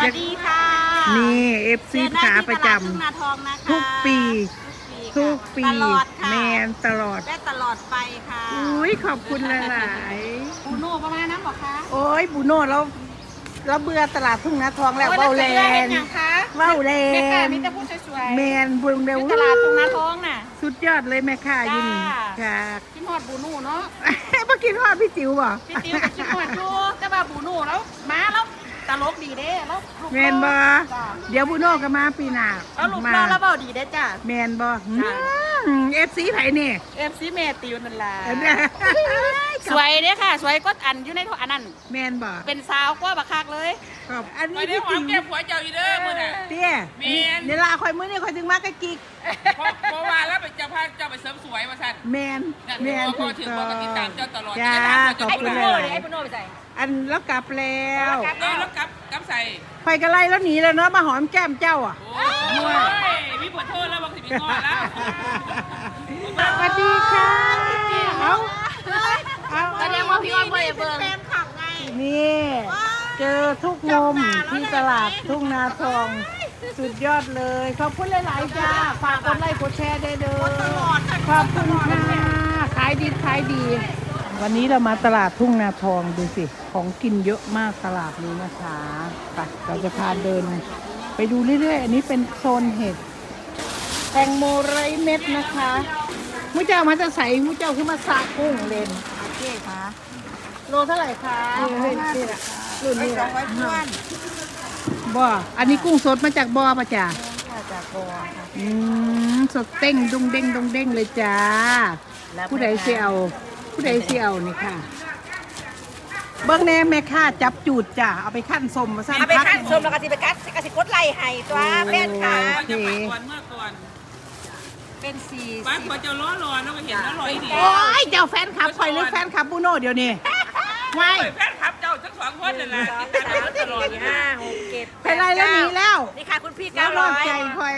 วัสดีค่ะนี่เอฟซีขาประจำทุกปีทุกปีตลอดค่ะแมนตลอดได้ตลอดไปค่ะอุ้ยขอบคุณหลายปูโน่ประมาณนั้นบอกคะๆโอ้ยบูโน่เราเบื่อตลาดทุ่งนาทองแล้วเว้าแลนเว้าแลแม่ค่ะนมีแต่ผู้สวยๆแมนบุญเร็วอยู่ตลาดตรงนาทองน่ะสุดยอดเลยแม่ค่ะยินจ้าค่ะกินฮอดบูโน่เนาะเมื่อกี้ทอดพี่จิ๋วบ่พี่ติ๋วกับกินฮอดจูแต่ว่าบูโน่แล้วมาแล้วตลกดีเด้แล้วลูกแมนบ่จ้าเดี๋ยวบูโน่ก็มาปีหน้าแล้วลูกเราแล้วเบาดีเด้จ้าแมนบ่จ้ะเอฟซีไผนี่เอฟซีแม่ติวนั่นล่ะเด้อสวยเด้ค่ะ สวยก็อันอยู่ในโทอันนั้นแมนบ่เป็นสาวกว่าบักคักเลยขอบอันนี้ไม่ได้พี่หอจิ๋มวแก้มผัวเจ้าอีเด้อมื้อน่ะเตี้ยแม่นเดี๋ยวลาคอยมื้อนี้คอยถึงมากะกิกเพราะว่าแล้วไปจะพาเจ้าไปเสริมสวยมาสั่นแมนนั่นแมนเพราะว่าถือว่าก็ติดตามเจ้าตลอดจ้าจะขอบถามคุณว่าเลจะยให้ปุโน่ไปใส่อันแล้วกลับแล้วแล้วกับใส่ไปกันไล่แล้วหนีแล้วเนาะมาหอมแก้มเจ้าอ่ะโอ้ยมีขอโทษแล้วบางทีมีงอนแล้วสวัสดีค่ะเอาเอาแสดงว่าพี่อ้อนบ่ได้เบิ่งนี่เจอทุกมุมที่ตลาดทุ่งนาทองสุดยอดเลยขอบคุณหลายๆจ้าฝากกดไลค์กดแชร์ได้เด้อขอบคุณค่ะขายดีขายดี วันนี้เรามาตลาดทุ่งนาทองดูสิของกินเยอะมากตลาดนี้นะคะไปเราจะพาเดินไปดูเรื่อยๆอันนี้เป็นโซนเห็ดแตงโมไร้เม็ดนะคะมุ้เจ้ามาจะใส่มุ้เจ้าขึ้นมาซากุ้งเลนโอเคค่ะโลเท่าไหร่คะรุ่นนี้ละบ่อันนี้กุ้งสดมาจากบ่อปะจ๊ะจากบ่อสดเต้งดงเด้งดงเด้งเลยจ้าผู้ใดเสียวผู้ใดเสียวนี่ค่ะเบิ้งแน่แม่ค่าจับจูดจ้ะเอาไปขั้นสมมาสั่งเอาไปคั้นชมแล้วก็สิไปกัดกสิกดไล่ให้ตัวแฟนค่ะมันจะไปก่อนเมื่อก่อนเป็น40 บ้านผัวเจ้าล้อรอนแล้วก็เห็นแล้วลอยดีโอ้ยเจ้าแฟนคลับคอยหรือแฟนคลับบูโน่เดี๋ยวนี้ไม่แฟนคลับเจ้าทั้งสองคนนั่นแหละติดตามตลอด 5 6 7 ไปไล่แล้วหนีแล้วนี่ค่ะคุณพี่แล้วนอกใจคอย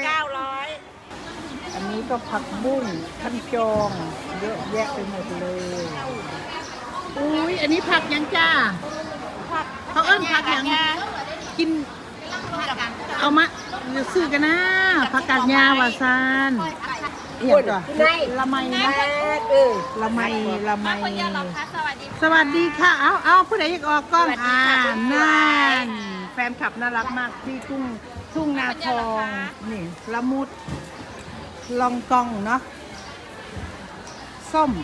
900 อันนี้ก็ผักบุ้งขั้นจองเยอะแยะไปหมดเลยอุ้ยอันนี้ผักยังจ้าเขาเอิ้นผักยังกินเอามาเดี๋ยวซื้อกันนะผักกาดยาวาซานเอียงก่อนละไมนะละไมละไมสวัสดีค่ะเอาผู้ใดอยากออกกล้องนั่นแฟนคลับน่ารักมากที่ทุ่งนาทองนี่ละมุดลองกองเนาะส้ม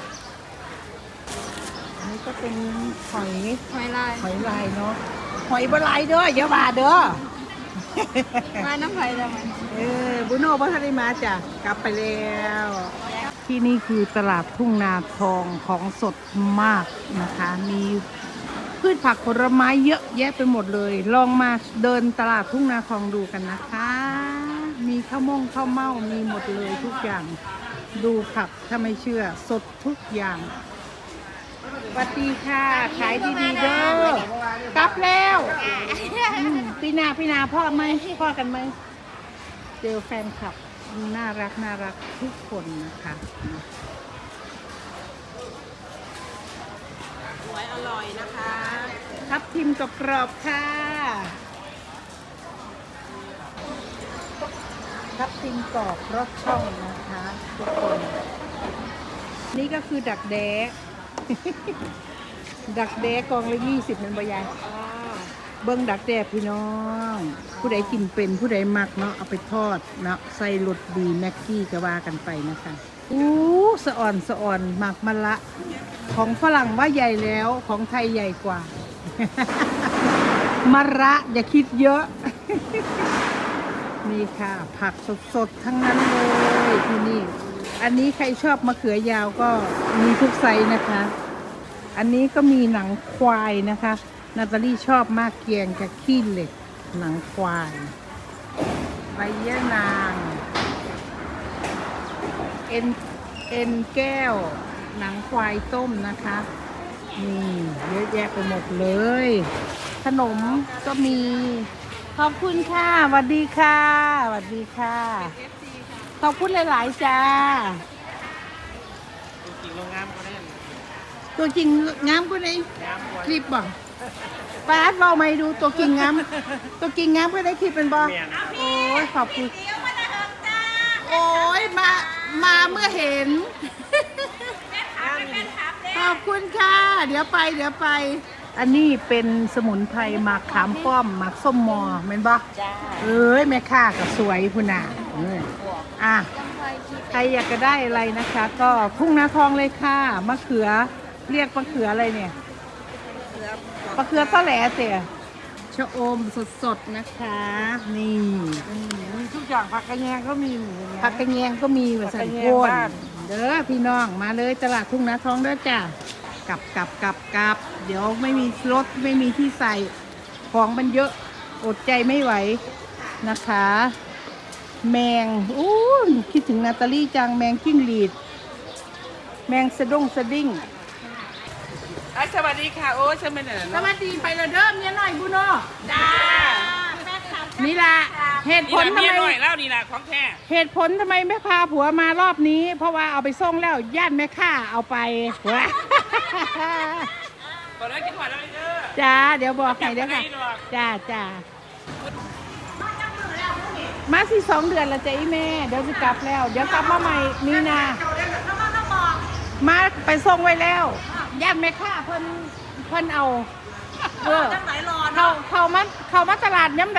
อันนี้ก็เป็นหอยลายเนาะหอยบลายเด้ออย่าบาเด้อมาน้ำไผ่แล้วมันบุโน่พัทริมาจ้ะกลับไปแล้ว ที่นี่คือตลาดทุ่งนาทองของสดมากนะคะ มีพืชผักผลไม้เยอะแยะไปหมดเลย ลองมาเดินตลาดทุ่งนาทองดูกันนะคะ มีข้าวเม่ามีหมดเลยทุกอย่าง ดูผักถ้าไม่เชื่อสดทุกอย่างสวัสดีค่ะ ขายดีๆเด้อกลับแล้วพี่นาพ่อไหมพ่อกันไหมเจอแฟนคลับน่ารักทุกคนนะคะสวยอร่อยนะคะทับทิมกรอบๆค่ะทับทิมกรอบรสช่องนะคะทุกคนนี่ก็คือดักแด้ ดักแด้กองละ20มันบยายเบิ้งดักแด้พี่น้องผู้ใดกินเป็นผู้ใดมักเนาะเอาไปทอดเนาะใส่รสดีแม็กกี้ก็ว่ากันไปนะคะสะอ่อนหมักมะละของฝรั่งว่าใหญ่แล้วของไทยใหญ่กว่า มะระอย่าคิดเยอะ นี่ค่ะผักสดๆทั้งนั้นเลยที่นี่อันนี้ใครชอบมะเขือยาวก็มีทุกไซส์นะคะ อันนี้ก็มีหนังควายนะคะนาตาลีชอบมากเกียงกับขี้เหล็กหนังควายใบยะนางเอ็นแก้วหนังควายต้มนะคะนี่เยอะแยะไปหมดเลยขนมก็มีขอบคุณค่ะสวัสดีค่ะสวัสดีค่ะขอบคุณหลายๆจ้าตัวจริงงามกว่าในคลิปบ่ป้าดเบาไม่ดูตัวกิ่งงามตัวกิ่งงามก็ได้คลิปเป็นบอโอ้ยขอบคุณโอ้ยมาเมื่อเห็นขอบคุณค่ะ เดี๋ยวไป อันนี้เป็นสมุนไพรหมักขามป้อมหมักส้มมอเม็นบอเอ้ยแม่ค้าก็สวยพุ่นน่ะอ่ะใครอยากจะได้อะไรนะคะ ก็ทุ่งนาทองเลยค่ะมะเขือเรียกมะเขืออะไรเนี่ยมะเขือตะแหลเสียชะอมสดๆนะคะนี่มีทุกอย่างผักกระแยงก็มีผักกระแยงก็มีแบบสันโคนเด้อพี่น้องมาเลยตลาดทุ่งนาทองเด้อจ้ะกลับเดี๋ยวไม่มีรถไม่มีที่ใส่ของมันเยอะอดใจไม่ไหวนะคะ แมงอู้คิดถึงนาตาลี่จังแมงจิ้งหรีดแมงสะดิ้งสวัสดีค่ะโอ้ฉันเป็นอะไรสวัสดีไปเลยเด้อเมียหน่อยบุโนจ้านี่ล่ะเหตุผลนี่ทำละไมเมียหน่อยแล้วนี่ละของแท้เหตุผลทำไมไม่พาผัวมารอบนี้ เพราะว่าเอาไปส่งแล้วญาติแม่ข้าเอาไปตอนนั้นกินหวานแล้วเด้อจ้าเดี๋ยวบอกให้เด้อค่ะจ้ามาสิ2 เดือนแล้วจ้ะอีแม่เดี๋ยวจะกลับแล้ว เดี๋ยวกลับมาใหม่มีนามาไปส่งไว้แล้วญาติแม่ข้าเพิ่นเอาเขามาตลาดย้ำไหน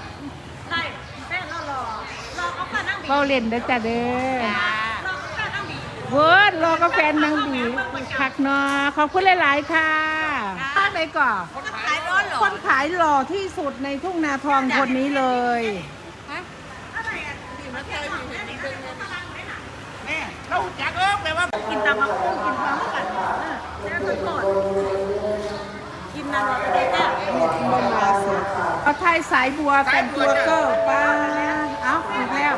เราเล่นเด้อจ้ะเด้อเวิร์ดรอกาแฟนางบีคักเนาะขอบคุณหลายๆค่ะไปก่อนคนขายหล่อที่สุดในทุ่งนาทองคนนี้เลยเราจักแปลว่ากินตามมาคุ้งกินความกันแล้วก็โทษกินนานๆเลยจ้ะเอาไทยสายบัวเป็นตัวเกอร์ป้าเอาอีกแล้ว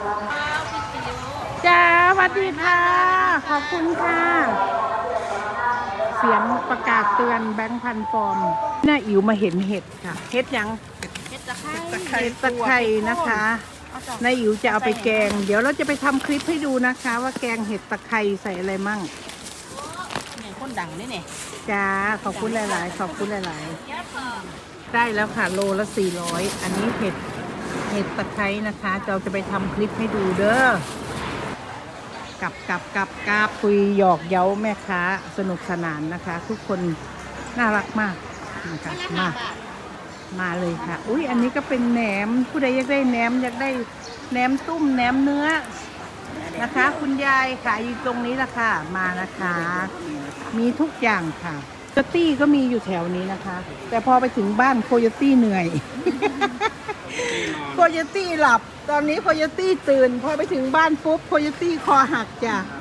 จ้าสวัสดีค่ะขอบคุณค่ะเสียงประกาศเตือนแบงค์พันฟอร์มน่าอิ๋วมาเห็นเห็ดค่ะเห็ดยังเฮ็ดตะไคร้เห็ดตะไคร้นะคะนายอิ๋วจะเอาไปแกงเดี๋ยวเราจะไปทำคลิปให้ดูนะคะ ว่าแกงเห็ดตะไคร้ใส่อะไรมั่งเนี่ยคนดังนี่เนี่ยจ้าขอบคุณหลายๆขอบคุณหลายๆได้แล้วค่ะโลละ400อันนี้เห็ดตะไคร้นะคะเราจะไปทำคลิปให้ดูเด้อกับคุยหยอกเย้าแม่ค้าสนุกสนานนะคะ ทุกคนน่ารักมากนะคะมาเลยค่ะอุ้ยอันนี้ก็เป็นแหนมผู้ใดอยากได้แหนมอยากได้แหนมตุ้มแหนมเนื้อนะคะ คุณยายขายอยู่ตรงนี้ละค่ะมานะคะ มีทุกอย่างค่ะโคโยตี้ก็มีอยู่แถวนี้นะคะ แต่พอไปถึงบ้านโคโยตี้เหนื่อย โคโยตี้หลับตอนนี้โคโยตี้ตื่นพอไปถึงบ้านปุ๊บโคโยตี้คอหักจ้ะ